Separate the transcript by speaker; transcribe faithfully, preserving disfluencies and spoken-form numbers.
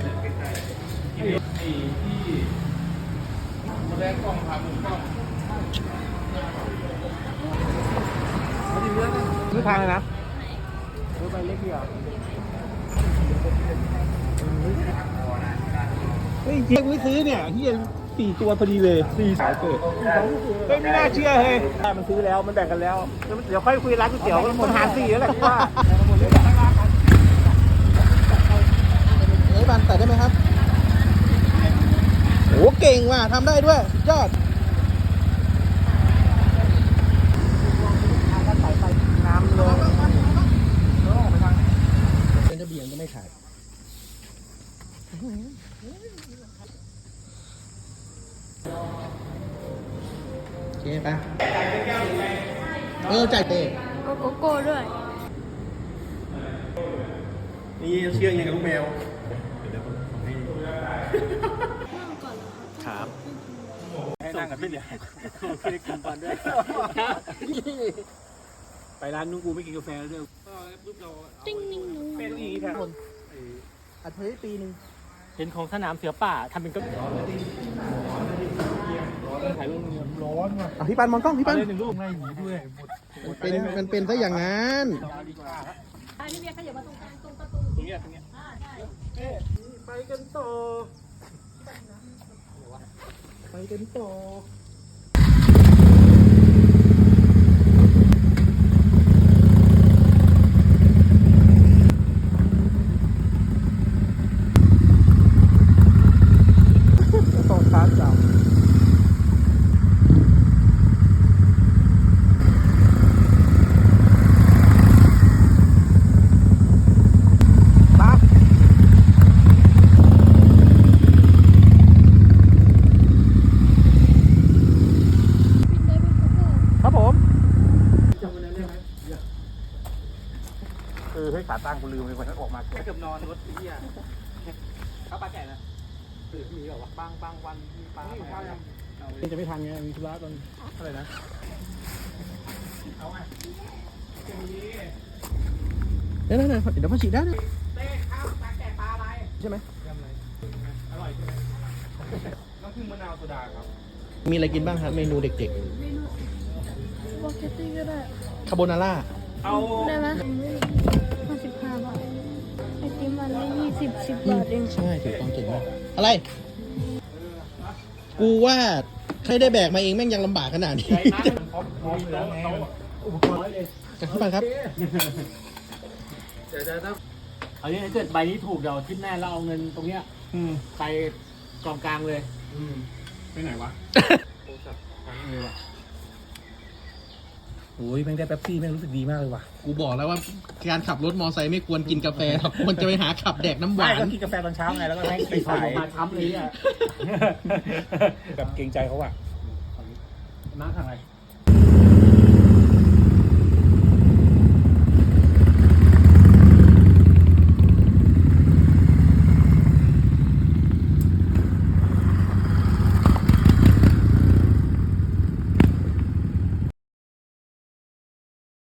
Speaker 1: ไอ้ที่แสดงกล้องผ่านมุมกล้อง
Speaker 2: ซื้อทางเลยนะซื้อไปเล็กเดียวเฮ้ยเจ๊กูซื้อเนี่ยเฮียสี่ตัวพอดีเลยสี่สายเกิดเฮ้ยไม่น่าเชื่อเฮ้ยมันซื้อแล้วมันแบ่งกันแล้วเดี๋ยวค่อยคุยร้านก๋วยเตี๋ยวมันหารสี่แล้วแหละที่ว่าเฮ้ยบันใส่ได้ไหมครับโอ้เก่งว่ะทำได้ด้วยยอดน้ำลงเป็นจะเบี่ยงก็ไม่ขาดโอเคปะเออจ่ายเตะ
Speaker 3: โกโก้ด้วย
Speaker 2: นี่เชื่อยังกับลูกแมวครับให้นั่งกันไม่เดี๋ยวไม่ได้กินก่อนด้วยไปร้านนู้นกูไม่กินกาแฟแล้วด้วย
Speaker 3: ติ้งนิ่งนู
Speaker 2: เป็นอีกครับอัดเทยปีหนึ่ง
Speaker 4: เห็นของสนามเสือป่าทำเป็นก็ถ่ายรูปร้อนว่ะ
Speaker 2: อ่ะพี่ปันมองกล้องพี่ปัน
Speaker 4: หนึ่งรูปไม่หนีด้วย
Speaker 2: มันเป็นมันเป็นซะอย่างนั้น
Speaker 3: พี่เบียร์ขยับมาตรงกลางตรงประตู
Speaker 4: ตรงนี้ตรงนี้
Speaker 2: ไปกันต่อไปกันต่อต้องชาร์จจับครับผมเออให้ขาตั้งกูลืมเลยวันนั้นออกมาเกือบนอนรถที่อ่ะข้าวปลาแก่นะตื่นมีแบบว่าบางบางวันมีปลาจะไม่ทันไงมีธุระตอนอะไรนะเอาไงเดี๋ยวเดี๋ยวเดี๋ยวมาฉีดได้เลยเต้ข้าวปลาแก่ปลาอะไรใช่ไหมอร่อยใช่ไหมน้ำผึ้งมะนาวโซดาครับมีอะไรกินบ้างครับเมนูเด็ก
Speaker 3: เมนูวอลเกตตี้ก็ได้
Speaker 2: ๆคาโบนาร่า
Speaker 4: เอา
Speaker 3: ได้ไหมห้าสิบห้าบาทไอติมมันไม่ยี่สิบสิบบาทเอง
Speaker 2: ใช่ถูกต้องเก่งมากอะไร กูว่าใครได้แบกมาเองแม่งยังลำบากขนาดนี้
Speaker 4: พร้อมพร้อมแล้วไงอุปกรณ์เลย
Speaker 2: พี่ปันครับ
Speaker 4: เดี๋ยวจะต้องเอาเนี่ยถ้าเกิดใบนี้ถูกเดี๋ยวทิปแน่เราเอาเงินตรงเนี้ยไปกองกลางเลยไปไหนวะโอ้ยแม่งได้แป๊บซี่แม่งรู้สึกดีมากเลยว่ะ
Speaker 2: กูบอกแล้วว่าการขับรถมอไซค์ไม่ควรกินกาแฟหรอกควรจะไปหาขับแดกน้ำหวาน
Speaker 4: ก็กินกาแฟตอนเช้าไงแล้วก็ให้ไปขายมาช้ำเลยอ่ะแบบเกรงใจเขาอ่ะมาทางอะไร